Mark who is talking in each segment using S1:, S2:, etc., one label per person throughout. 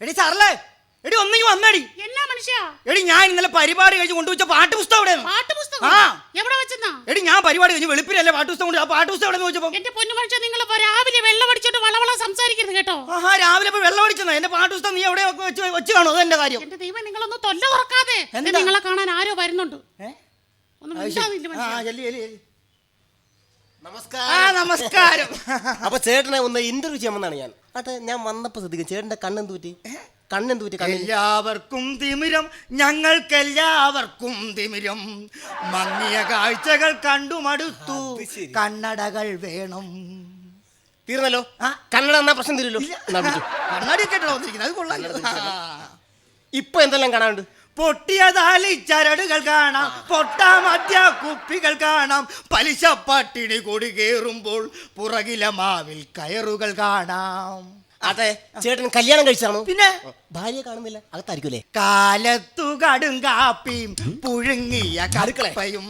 S1: എടി സാറല്ലേ, എടി ഒന്നെങ്കിൽ വന്നടി.
S2: എന്നാ മനുഷ്യ?
S1: എടി ഞാൻ ഇന്നലെ പരിപാടി കഴിഞ്ഞ് കൊണ്ടുവച്ച പാട്ടുപുസ്തകം എവിടെയാണ്?
S2: പാട്ടുപുസ്തകം എവിടെ വെച്ചെന്നാ?
S1: എടി ഞാൻ പരിപാടി കഴിഞ്ഞ് വെളുപ്പിലല്ലേ പാട്ടുപുസ്തകം കൊണ്ട്, ആ പാട്ടുപുസ്തകം എവിടെ വെച്ചപ്പോ?
S2: എന്റെ പൊന്നു മനുഷ്യ, നിങ്ങൾ രാവിലെ വെള്ളം അടിച്ചോണ്ട് വളവള സംസാരിക്കരുത് കേട്ടോ.
S1: ആഹാ, രാവിലെ ഇപ്പൊ വെള്ളം അടിച്ചെന്നാ? എന്റെ പാട്ടുപുസ്തകം നീ എവിടെ വെച്ച് കാണോ? അതെന്റെ കാര്യം.
S2: എന്റെ ദൈവം, നിങ്ങളൊന്ന് തൊല്ല തുറക്കാതെ. നിങ്ങളെ കാണാൻ ആരോ വരുന്നുണ്ട്.
S1: നമസ്കാരം.
S3: അപ്പൊ ചേട്ടനെ ഒന്ന് ഇന്റർവ്യൂ ചെയ്യാമെന്നാണ് ഞാൻ. അതെ, ഞാൻ വന്നപ്പോ ശ്രദ്ധിക്കും ചേട്ടന്റെ കണ്ണെന്ത് പറ്റി?
S1: എല്ലാവർക്കും തിമിരം, ഞങ്ങൾക്കെല്ലാവർക്കും തിമിരം. മങ്ങിയ കാഴ്ചകൾ കണ്ടു മടുത്തു, കണ്ണടകൾ വേണം.
S3: തീർന്നല്ലോ. കണ്ണട എന്നാ പ്രശ്നം തീരുമല്ലോ.
S1: കണ്ണാടി കേട്ടോ വന്നിരിക്കുന്നത്, അത് കൊള്ളാം.
S3: ഇപ്പൊ എന്തെല്ലാം കാണാനുണ്ട്?
S1: പൊട്ടിയതാലി ചരടുകൾ കാണാം, പൊട്ടാ മദ്യ കുപ്പികൾ കാണാം, പലിശ പട്ടിണി കൊടി കേറുമ്പോൾ പുറകിലെ മാവിൽ കയറുകൾ കാണാം.
S3: അതെ, ചേട്ടൻ കല്യാണം കഴിച്ചാണോ?
S1: പിന്നെ
S3: ഭാര്യ കാണുന്നില്ല, അകത്തായിരിക്കൂലേ?
S1: കാലത്തു കടും കാപ്പിയും പുഴുങ്ങിയ കടുക്കളയും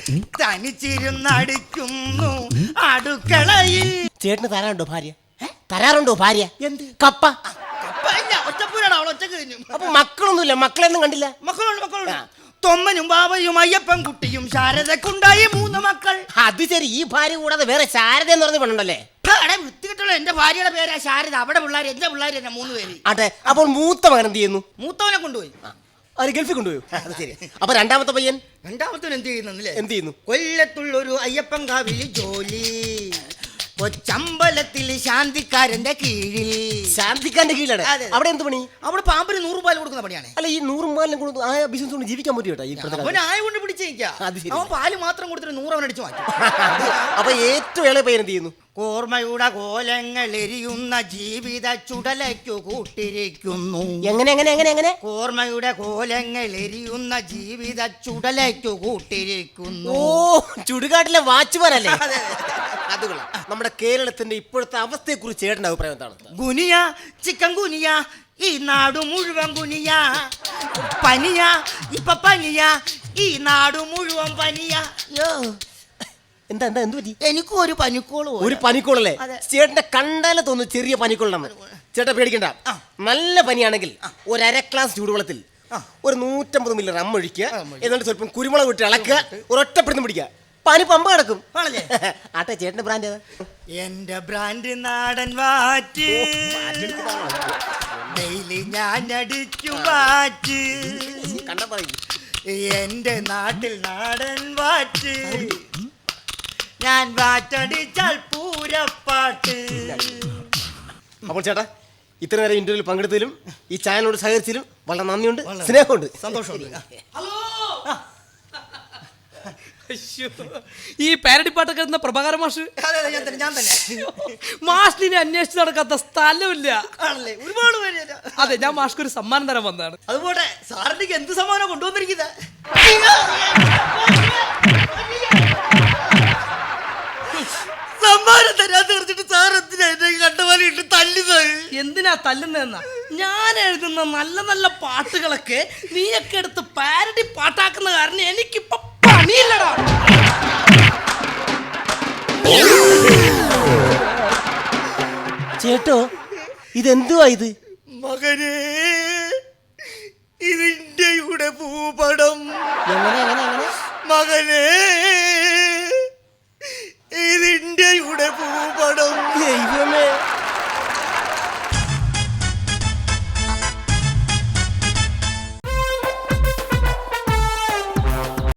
S1: തനിച്ചിരുന്നടിക്കുന്നു അടുക്കളയിൽ.
S3: ചേട്ടന് തരാറുണ്ടോ ഭാര്യ? തരാറുണ്ടോ ഭാര്യ? എന്ത് കപ്പ?
S1: ഒറ്റപ്പൂരാണ് അവൾ, ഒറ്റ കഴിഞ്ഞു.
S3: അപ്പൊ മക്കളൊന്നുമില്ല? മക്കളെന്നും കണ്ടില്ല?
S1: മക്കളുണ്ട്. തൊമ്മനും ബാബയും അയ്യപ്പൻ കുട്ടിയും ശാരദക്കുണ്ടായി 3 മക്കൾ.
S3: അത് ശരി, ഈ ഭാര്യ കൂടാതെ വേറെ ശാരദ എന്ന് പറഞ്ഞ പെണ്ണുണ്ടല്ലേ?
S1: വൃത്തികെട്ടുള്ള എന്റെ ഭാര്യയുടെ പേരാ ശാരദ. അവിടെ പിള്ളേർ, എന്റെ പിള്ളേർ തന്നെ 3 പേര്.
S3: അതെ, അപ്പോൾ മൂത്ത മകൻ എന്ത് ചെയ്യുന്നു?
S1: മൂത്തവനെ കൊണ്ടുപോയി.
S3: അവര് ഗൾഫിൽ കൊണ്ടുപോയി. അത് ശരി. അപ്പൊ രണ്ടാമത്തെ പയ്യൻ?
S1: രണ്ടാമത്തവൻ എന്ത് ചെയ്യുന്നില്ലേ?
S3: എന്ത് ചെയ്യുന്നു?
S1: കൊല്ലത്തുള്ളൊരു അയ്യപ്പൻ കാവില് ജോലി, കൊച്ചമ്പലത്തിൽ ശാന്തിക്കാരന്റെ കീഴിൽ.
S3: ശാന്തിക്കാരന്റെ കീഴിലാണ്? അവിടെ എന്ത് പണി?
S1: അവിടെ പാമ്പിന് 100 രൂപ കൊടുക്കുന്ന പണിയാണ്.
S3: അല്ല, ഈ 100 രൂപ ആ ബിസിനസ് കൊണ്ട് ജീവിക്കാൻ പറ്റും കേട്ടോ.
S1: അവൻ ആയ കൊണ്ട് പിടിച്ചേക്കാം. അവൻ പാല് മാത്രം കൊടുത്തിട്ട് 100 അവൻ അടിച്ചു മാറ്റും.
S3: അപ്പൊ ഏറ്റവും ഇളയ പയ്യൻ എന്ത് ചെയ്യുന്നു?
S1: ഓർമ്മയുടെ കോലങ്ങൾ എരിയുന്ന ജീവിത ചുടലയ്ക്കു കൂട്ടിരിക്കുന്നു.
S3: എങ്ങനെ?
S1: ഓർമ്മയുടെ കോലങ്ങൾ എരിയുന്ന ജീവിത ചുടലയ്ക്കു കൂട്ടിരിക്കുന്നു.
S3: ഓ, ചുടുകാട്ടിലെ വാച്ച്മാനല്ലേ? അത് കൊള്ളാം. നമ്മുടെ കേരളത്തിന്റെ ഇപ്പോഴത്തെ അവസ്ഥയെ കുറിച്ച് ചേട്ടന്റെ അഭിപ്രായം എന്താണ്?
S1: ഗുനിയ, ചിക്കൻ ഗുനിയ, ഈ നാടു മുഴുവൻ ഗുനിയ. പനിയ, ഇപ്പൊ പനിയ, ഈ നാടു മുഴുവൻ പനിയ.
S3: എന്താ എന്ത് പറ്റി?
S1: എനിക്കും ഒരു പനിക്കോള്.
S3: ഒരു പനിക്കോളല്ലേ? ചേട്ടന്റെ കണ്ടാലെ തോന്നുന്നു ചെറിയ പനിക്കോളാണ്. ചേട്ടാ പേടിക്കണ്ട. നല്ല പനിയാണെങ്കിൽ ഒരു 1/2 ഗ്ലാസ് ചൂടുവെള്ളത്തിൽ ഒരു 150 മില്ലി റം ഒഴിക്കുക, എന്നിട്ട് സ്വല്പം കുരുമുളക് വിട്ട് ഇളക്കുക, ഒരൊറ്റപ്പെടുന്ന് പിടിക്കുക, പനി പമ്പ കിടക്കും. ആട്ടെ, ചേട്ടന്റെ ബ്രാൻഡ് ഏതാ?
S1: എന്റെ ബ്രാൻഡ് നാടൻ വാറ്റ്. ഡെയിലി ഞാൻ അടിക്കും വാറ്റ്.
S3: കണ്ടാ പറയും,
S1: എന്റെ നാട്ടിൽ നാടൻ വാറ്റ്. ഞാൻ വാറ്റടിച്ചാൽ പൂരപ്പാട്ട്.
S3: അപ്പോൾ ചേട്ടാ, ഇത്ര നേരം ഇന്റർവ്യൂവിൽ പങ്കെടുത്തതിലും ഈ ചാനലിനോട് സഹകരിച്ചതിലും വളരെ നന്ദിയുണ്ട്, സ്നേഹമുണ്ട്,
S1: സന്തോഷമുണ്ട്.
S4: ഈ പാരഡി പാട്ടൊക്കെ എഴുതുന്ന പ്രഭാകരൻ മാഷ്.
S1: ഞാൻ തന്നെ.
S4: മാഷിനെ അന്വേഷിച്ച് നടക്കാത്ത സ്ഥലമില്ല.
S1: ഒരുപാട് പേര്.
S4: അതെ, ഞാൻ മാഷ്ക്ക് ഒരു സമ്മാനം തരാൻ വന്നതാണ്.
S1: അതുപോലെ സാറിന് എന്ത് സമ്മാനം കൊണ്ടുവന്നിരിക്കുന്നത്? സമ്മാനം തരാൻ തീർച്ചിട്ട് സാർ എന്തിനാ എന്നെ കണ്ടമാലിട്ട് തല്ലുന്നത്?
S4: എന്തിനാ തല്ലുന്നതെന്നാ? ഞാൻ എഴുതുന്ന നല്ല നല്ല പാട്ടുകളൊക്കെ നീയൊക്കെ എടുത്ത് പാരഡി പാട്ടാക്കുന്ന കാരണം എനിക്കിപ്പൊ പണിയില്ലടാ.
S3: ചേട്ടോ, ഇതെന്തുവാ ഇത്?
S1: മകനെ, ഇതിന്റെ കൂടെ ഭൂപടം. മകനെ, ഇതിന്റെ കൂടെ ഭൂപടം.
S3: ദൈവമേ.